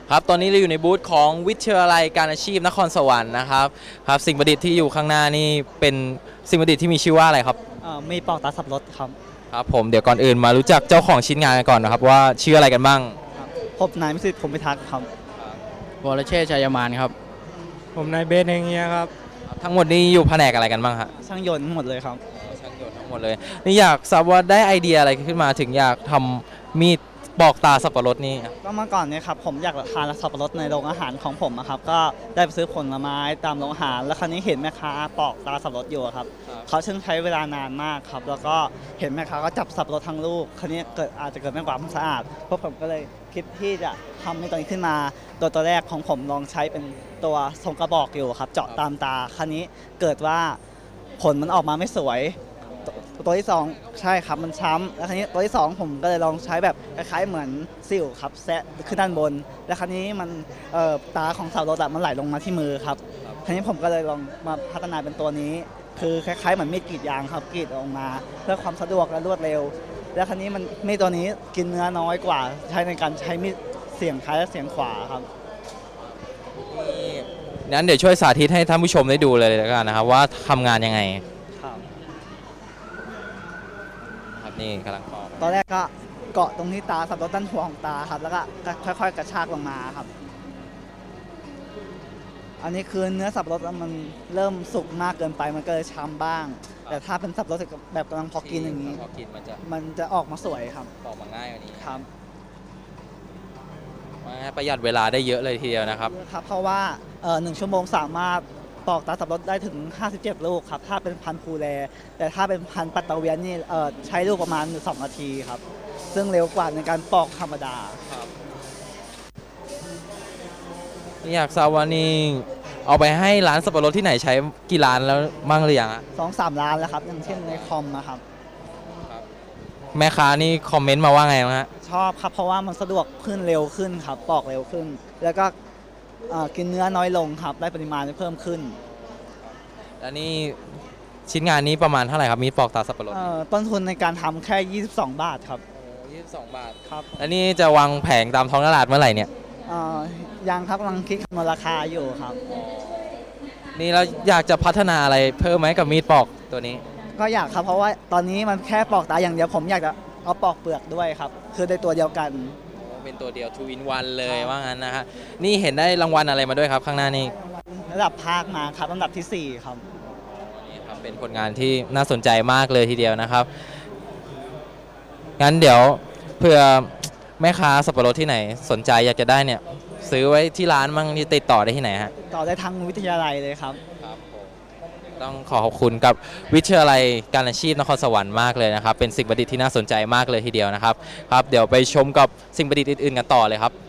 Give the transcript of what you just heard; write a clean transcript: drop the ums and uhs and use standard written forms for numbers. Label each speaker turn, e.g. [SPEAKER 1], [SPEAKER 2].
[SPEAKER 1] ครับตอนนี้เราอยู่ในบูธของวิทยาลัยการอาชีพนครสวรรค์นะครับสิ่งประดิษฐ์ที่อยู่ข้างหน้านี่เป็นสิ่งประดิษฐ์ที่มีชื่อว่าอะไรครับ
[SPEAKER 2] มีปอกตาสับรถครับ
[SPEAKER 1] ครับผมเดี๋ยวก่อนอื่นมารู้จักเจ้าของชิ้นงานกันก่อนนะครับว่าชื่ออะไรกันบ้าง
[SPEAKER 2] ผมนายมิสิทธิ์ผมพิทักษ์ครับ
[SPEAKER 3] วรเชษฐ์ชัยมานครับ
[SPEAKER 4] ผมนายเบสเฮงเงียครับ
[SPEAKER 1] ทั้งหมดนี้อยู่แผนกอะไรกันบ้างฮะ
[SPEAKER 2] ช่างยนต์หมดเลยครับ
[SPEAKER 1] ช่างยนต์ทั้งหมดเลยนี่อยากทราบว่าได้ไอเดียอะไรขึ้นมาถึงอยากทำมีดปอกตาสับปะรดนี่
[SPEAKER 2] ก็เมื่อก่อนเนี่ยครับผมอยากทานสับปะรดในโรงอาหารของผมครับก็ได้ไปซื้อผลไม้ตามโรงอาหารแล้วคราวนี้เห็นแม่ค้าปอกตาสับปะรดอยู่ครับเขาซึ่งใช้เวลานานมากครับแล้วก็เห็นแม่ค้าก็จับสับปะรดทั้งลูกคราวนี้อาจจะเกิดไม่ความสะอาดพวกผมก็เลยคิดที่จะทำในตัวนี้ขึ้นมาตัวแรกของผมลองใช้เป็นตัวทรงกระบอกอยู่ครับเจาะตามตาคราวนี้เกิดว่าผลมันออกมาไม่สวยตัวที่2ใช่ครับมันช้ำแล้วคราวนี้ตัวที่2ผมก็เลยลองใช้แบบคล้ายๆเหมือนซิ่วครับแซะขึ้นด้านบนแล้วคราวนี้มันตาของสับปะรดมันไหลลงมาที่มือครับคราวนี้ผมก็เลยลองมาพัฒนาเป็นตัวนี้คือคล้ายๆเหมือนมีดกรีดยางครับกรีดออกมาเพื่อความสะดวกและรวดเร็วแล้วคราวนี้มันมีดตัวนี้กินเนื้อน้อยกว่าใช้ในการใช้มีดเสียงซ้ายและเสียงขวาครับ
[SPEAKER 1] งั้นเดี๋ยวช่วยสาธิตให้ท่านผู้ชมได้ดูเลยแล้วกันนะครับว่าทำงานยังไงนี่กำลัง
[SPEAKER 2] ตอนแรกก็เกาะตรงที่ตาสับปะรดด้านหัวของตาครับแล้วก็ค่อยๆกระชากลงมาครับอันนี้คือเนื้อสับปะรดมันเริ่มสุกมากเกินไปมันก็เลยช้ำบ้างแต่ถ้าเป็นสับปะรดแบบกำลังพอกินอย่างนี้มันจะออกมาสวยครับ
[SPEAKER 1] ออกมาง่ายกว่านี้
[SPEAKER 2] ครับ
[SPEAKER 1] ประหยัดเวลาได้เยอะเลยทีเดียวนะครับ
[SPEAKER 2] เพราะว่า1 ชั่วโมงสามารถปอกตาสับปะรดได้ถึง57ลูกครับถ้าเป็นพันธุ์ภูแลแต่ถ้าเป็นพันธุ์ปัตตาเวียนนี่ใช้ลูกประมาณ2 นาทีครับซึ่งเร็วกว่าในการปอกธรรมดา
[SPEAKER 1] อยากทราบว่านี่เอาไปให้ร้านสับปะรดที่ไหนใช้กี่ร้านแล้วมั่งหรือยัง
[SPEAKER 2] 2-3 ร้านแล้วครับอย่างเช่นในคอมนะครับ
[SPEAKER 1] แม่ค้านี่คอมเมนต์มาว่าไงบ้างฮะ
[SPEAKER 2] ชอบครับเพราะว่ามันสะดวกขึ้นเร็วขึ้นครับปอกเร็วขึ้นแล้วก็กินเนื้อน้อยลงครับได้ปริมาณเพิ่มขึ้น
[SPEAKER 1] แล้วนี่ชิ้นงานนี้ประมาณเท่าไหร่ครับมีดปอกตาสับปะรด
[SPEAKER 2] ต้นทุนในการทำแค่22 บาทครับ
[SPEAKER 1] 22 บาท
[SPEAKER 2] ครับ
[SPEAKER 1] แล้วนี่จะวางแผงตามท้องตลาดเมื่อไหร่เนี่ย
[SPEAKER 2] ยังครับกำลังคิดคำนวณราคาอยู่ครับ
[SPEAKER 1] นี่เราอยากจะพัฒนาอะไรเพิ่มไหมกับมีดปอกตัวนี้
[SPEAKER 2] ก็อยากครับเพราะว่าตอนนี้มันแค่ปอกตาอย่างเดียวผมอยากจะเอาปอกเปลือกด้วยครับคือในตัวเดียวกัน
[SPEAKER 1] เป็นตัวเดียว 2 in 1เลยว่างั้นนะฮะนี่เห็นได้รางวัลอะไรมาด้วยครับข้างหน้านี่
[SPEAKER 2] ระดับภาคมาครับลำดับที่4ครับ
[SPEAKER 1] นี่ครับเป็นผลงานที่น่าสนใจมากเลยทีเดียวนะครับงั้นเดี๋ยวเพื่อแม่ค้าสับปะรดที่ไหนสนใจอยากจะได้เนี่ยซื้อไว้ที่ร้านมั่งที่ติดต่อได้ที่ไหนฮะ
[SPEAKER 2] ต่อได้ทางวิทยาลัยเลยครับ
[SPEAKER 1] ต้องขอบคุณกับวิทยาลัยการอาชีพนครสวรรค์มากเลยนะครับเป็นสิ่งประดิษฐ์ที่น่าสนใจมากเลยทีเดียวนะครับเดี๋ยวไปชมกับสิ่งประดิษฐ์อื่นๆกันต่อเลยครับ